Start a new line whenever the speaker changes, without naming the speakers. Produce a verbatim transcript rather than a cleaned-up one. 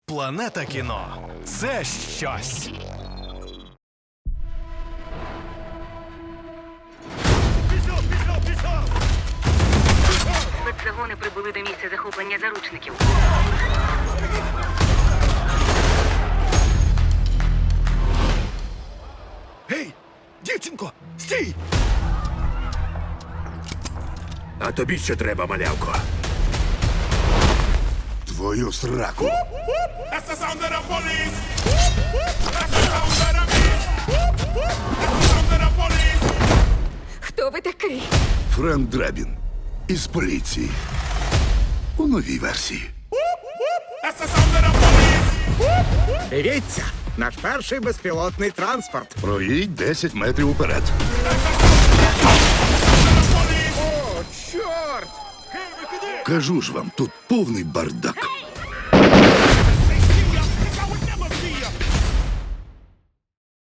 Планета кіно – це щось.
Спецзагони прибули до місця захоплення заручників.
Гей, дівчинко, стій!
А тобі що треба, малявко?
Твою сраку.
That's the sound of the police! That's the sound of the beast! That's the sound of the police!
Хто ви такий?
Френк Драбін із поліції. У новій версії.
That's the sound of the police!
Дивіться, наш перший безпілотний транспорт.
Проїдь десять метрів уперед.
О, чорт!
Кажу ж вам, тут повний бардак.